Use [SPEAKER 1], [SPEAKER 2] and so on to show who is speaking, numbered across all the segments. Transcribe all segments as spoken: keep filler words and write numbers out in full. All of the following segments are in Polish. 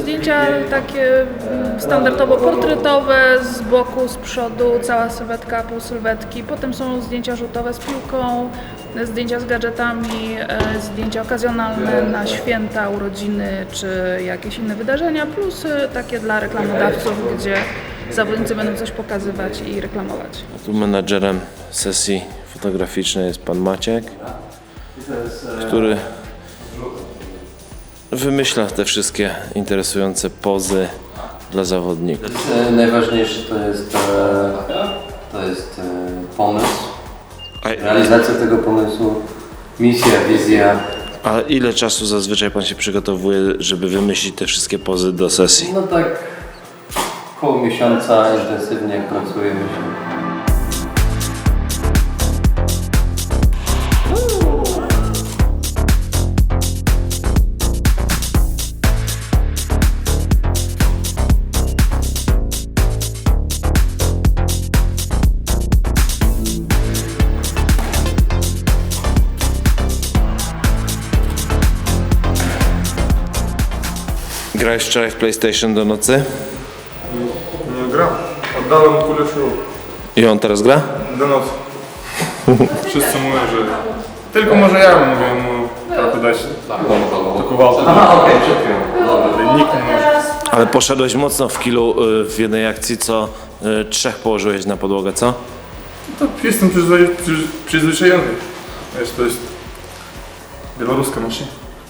[SPEAKER 1] zdjęcia takie standardowo portretowe, z boku, z przodu, cała sylwetka, pół sylwetki. Potem są zdjęcia rzutowe z piłką, zdjęcia z gadżetami, zdjęcia okazjonalne na święta, urodziny czy jakieś inne wydarzenia, plus takie dla reklamodawców, gdzie zawodnicy będą coś pokazywać i reklamować.
[SPEAKER 2] A tu menadżerem sesji fotograficznej jest pan Maciek, który wymyśla te wszystkie interesujące pozy dla zawodników.
[SPEAKER 3] Najważniejsze to jest, to jest pomysł, realizacja tego pomysłu, misja, wizja.
[SPEAKER 2] A ile czasu zazwyczaj pan się przygotowuje, żeby wymyślić te wszystkie pozy do sesji?
[SPEAKER 3] No tak koło miesiąca intensywnie pracujemy się.
[SPEAKER 2] Grałeś wczoraj w PlayStation do nocy?
[SPEAKER 4] Nie gram. Oddałem kulę siłą.
[SPEAKER 2] I on teraz gra?
[SPEAKER 4] Do nocy. Wszyscy mówią, że... Tylko może ja mówię mu trochę dać do kowalca.
[SPEAKER 3] Aha, okej, okay,
[SPEAKER 4] Ale nikt nie może.
[SPEAKER 2] Ale poszedłeś mocno w kilu y, w jednej akcji, co y, trzech położyłeś na podłogę, co?
[SPEAKER 4] To jestem przyzwyczaj, przyz, przyzwyczajony. Wiesz, to jest białoruska maszyna.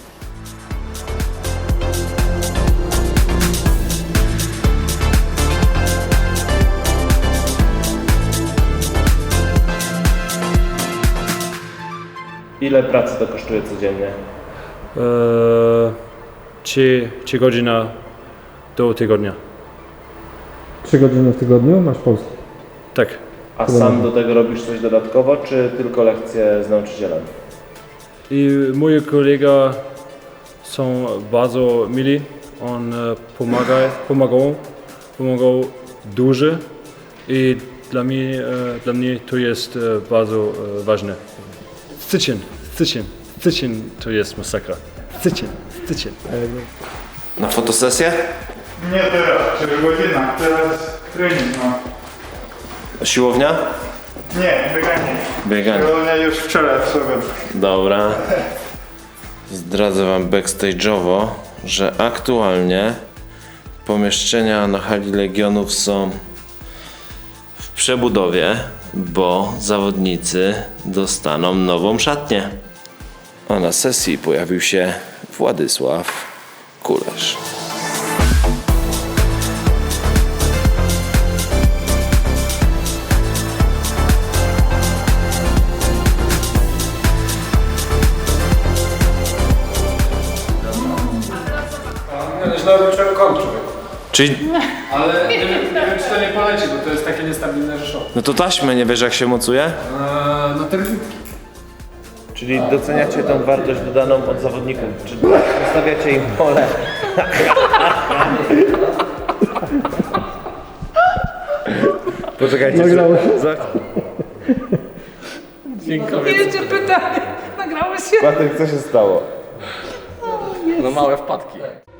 [SPEAKER 2] Ile pracy to kosztuje codziennie?
[SPEAKER 5] Eee, trzy, trzy godziny do tygodnia.
[SPEAKER 6] Trzy godziny w tygodniu masz polski?
[SPEAKER 5] Tak.
[SPEAKER 2] A sam do tego robisz coś dodatkowo, czy tylko lekcje z nauczycielem?
[SPEAKER 5] I moi kolega są bardzo mili. On pomaga, pomagał, pomagał dużo i dla mnie, dla mnie to jest bardzo ważne. Styczeń, styczeń, styczeń to jest masakra. Styczeń, styczeń.
[SPEAKER 2] Na fotosesję?
[SPEAKER 4] Nie teraz, cztery godziny. Teraz trening mam.
[SPEAKER 2] Siłownia?
[SPEAKER 4] Nie, bieganie.
[SPEAKER 2] Bieganie.
[SPEAKER 4] Siłownia już wczoraj w sobotę.
[SPEAKER 2] Dobra. Zdradzę wam backstage'owo, że aktualnie pomieszczenia na hali Legionów są w przebudowie, bo zawodnicy dostaną nową szatnię. A na sesji pojawił się Władysław Kulesz.
[SPEAKER 7] Źle odliczyłem kąt, człowieku.
[SPEAKER 2] Czyli,
[SPEAKER 7] Ale nie wiem, nie wiem, czy to nie poleci, bo to jest takie niestabilne rzeszowe.
[SPEAKER 2] no to taśmę nie wiesz jak się mocuje?
[SPEAKER 7] Eee, no te
[SPEAKER 2] Czyli doceniacie tą wartość dodaną od zawodników, czy zostawiacie im pole? Poczekajcie,
[SPEAKER 6] Nagrało się?
[SPEAKER 2] za...
[SPEAKER 1] Jeszcze pytanie, nagrało się?
[SPEAKER 2] Patryk, co się stało?
[SPEAKER 7] no małe wpadki.